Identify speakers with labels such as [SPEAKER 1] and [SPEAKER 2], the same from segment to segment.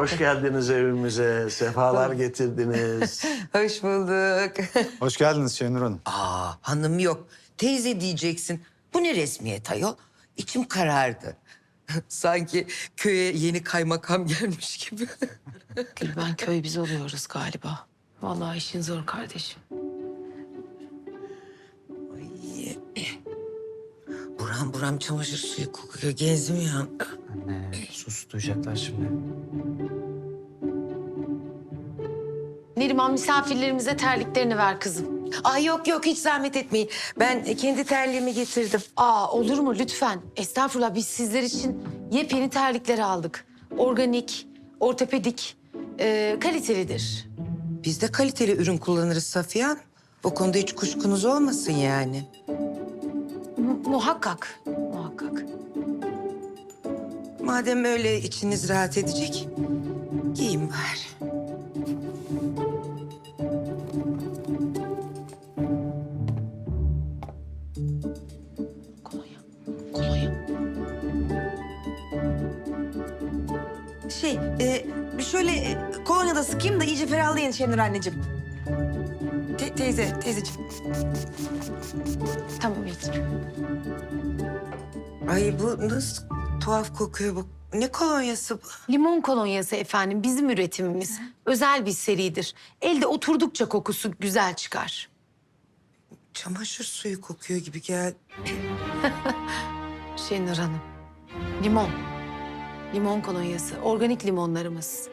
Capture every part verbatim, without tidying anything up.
[SPEAKER 1] Hoş geldiniz evimize. Sefalar getirdiniz.
[SPEAKER 2] Hoş bulduk.
[SPEAKER 3] Hoş geldiniz Şenur Hanım.
[SPEAKER 2] Aa, hanım yok. Teyze diyeceksin. Bu ne resmiyet ayol? İçim karardı. Sanki köye yeni kaymakam gelmiş gibi.
[SPEAKER 4] Gülben köy biz oluyoruz galiba. Vallahi işin zor kardeşim.
[SPEAKER 2] Ay, buram buram çamaşır suyu kokuyor. Gezmiyor.
[SPEAKER 5] Anne sus, duyacaklar şimdi.
[SPEAKER 4] Neriman misafirlerimize terliklerini ver kızım.
[SPEAKER 2] Ay yok yok, hiç zahmet etmeyin. Ben kendi terliğimi getirdim.
[SPEAKER 4] Aa olur mu lütfen? Estağfurullah, biz sizler için yepyeni terlikler aldık. Organik, ortopedik, e, kalitelidir.
[SPEAKER 2] Biz de kaliteli ürün kullanırız Safiye Hanım. O konuda hiç kuşkunuz olmasın yani.
[SPEAKER 4] Mu- muhakkak, muhakkak.
[SPEAKER 2] Madem öyle içiniz rahat edecek, giyin bari.
[SPEAKER 4] Kolonya, kolonya.
[SPEAKER 6] Şey, e, şöyle e, kolonya da sıkayım da iyice ferahlayın Şenur anneciğim. Te- teyze, teyzeciğim.
[SPEAKER 4] Tamam yeter.
[SPEAKER 2] Ay bu nasıl tuhaf kokuyor bu. Ne kolonyası bu?
[SPEAKER 4] Limon kolonyası efendim, bizim üretimimiz. Özel bir seridir. Elde oturdukça kokusu güzel çıkar.
[SPEAKER 2] Çamaşır suyu kokuyor gibi geldi.
[SPEAKER 4] Şenur Hanım, limon. Limon kolonyası, organik limonlarımız.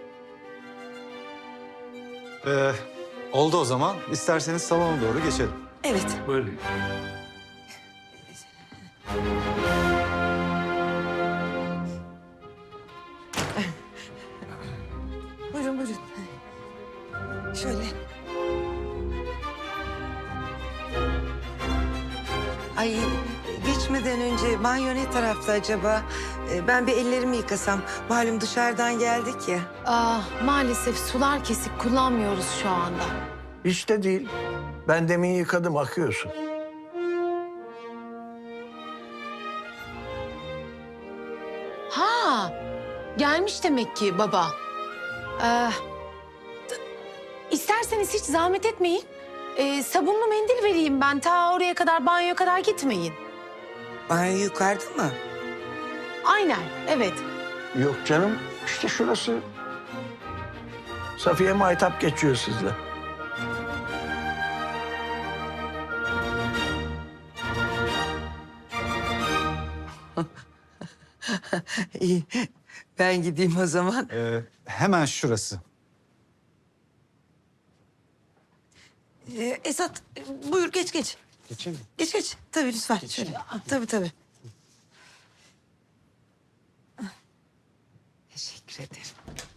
[SPEAKER 3] Ee, oldu o zaman. İsterseniz salona doğru geçelim.
[SPEAKER 6] Evet.
[SPEAKER 1] Buyurun.
[SPEAKER 6] Buyurun, buyurun. Şöyle.
[SPEAKER 2] Ay geçmeden önce banyo ne tarafta acaba? Ee, Ben bir ellerimi yıkasam. Malum dışarıdan geldik ya.
[SPEAKER 4] Aa, maalesef sular kesik, kullanmıyoruz şu anda.
[SPEAKER 1] Hiç de değil. Ben demin yıkadım, akıyorsun.
[SPEAKER 4] Ha, gelmiş demek ki baba. Ee, t- isterseniz hiç zahmet etmeyin. Ee, sabunlu mendil vereyim ben. Ta oraya kadar, banyoya kadar gitmeyin.
[SPEAKER 2] Banyo yukarıda mı?
[SPEAKER 4] Aynen, evet.
[SPEAKER 1] Yok canım, işte şurası. Safiye Maytap geçiyor sizle.
[SPEAKER 2] İyi. Ben gideyim o zaman.
[SPEAKER 3] Ee, hemen şurası.
[SPEAKER 6] E, Esat, e, buyur geç geç.
[SPEAKER 5] Geçeyim mi?
[SPEAKER 6] Geç geç. Tabii lütfen. Şöyle. Tabii tabii.
[SPEAKER 2] Teşekkür ederim.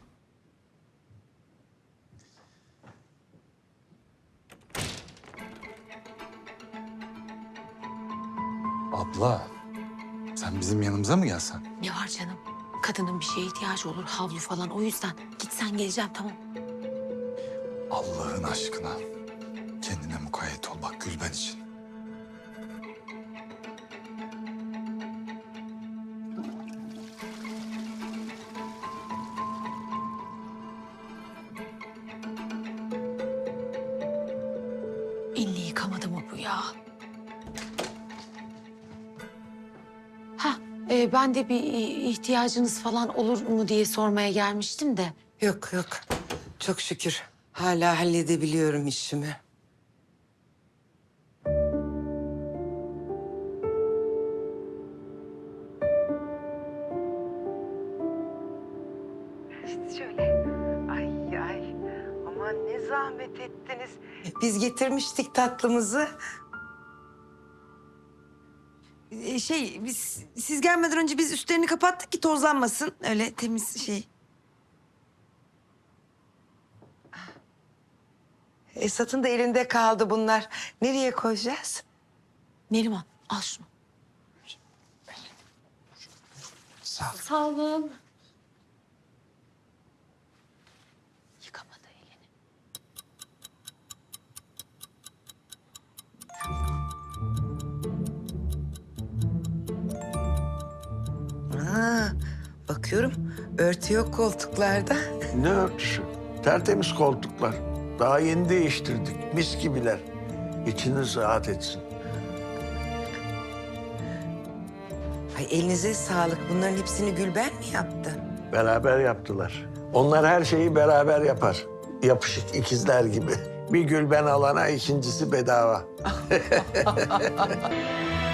[SPEAKER 3] Abla, sen bizim yanımıza mı gelsen?
[SPEAKER 4] Ne var canım? Kadının bir şeye ihtiyacı olur, havlu falan. O yüzden gitsen geleceğim, tamam.
[SPEAKER 3] Allah'ın aşkına. Kendine mukayyet ol bak Gülben için.
[SPEAKER 4] Elini yıkamadı mı bu ya? Ha, e, ben de bir ihtiyacınız falan olur mu diye sormaya gelmiştim de.
[SPEAKER 2] Yok yok. Çok şükür. Hala halledebiliyorum işimi. Şöyle. Ay ay. Aman ne zahmet ettiniz. Biz getirmiştik tatlımızı.
[SPEAKER 6] E, şey, biz siz gelmeden önce biz üstlerini kapattık ki tozlanmasın. Öyle temiz şey.
[SPEAKER 2] Esat'ın da elinde kaldı bunlar. Nereye koyacağız?
[SPEAKER 4] Neriman, al şunu.
[SPEAKER 3] Sağ ol.
[SPEAKER 4] Sağ olun. Yıkamadı elini.
[SPEAKER 2] Ha, bakıyorum Örtü yok koltuklarda.
[SPEAKER 1] Ne örtüsü? Tertemiz koltuklar. Daha yeni değiştirdik. Mis gibiler. İçiniz rahat etsin.
[SPEAKER 2] Ay elinize sağlık. Bunların hepsini Gülben mi yaptı?
[SPEAKER 1] Beraber yaptılar. Onlar her şeyi beraber yapar. Yapışık ikizler gibi. Bir Gülben alana ikincisi bedava.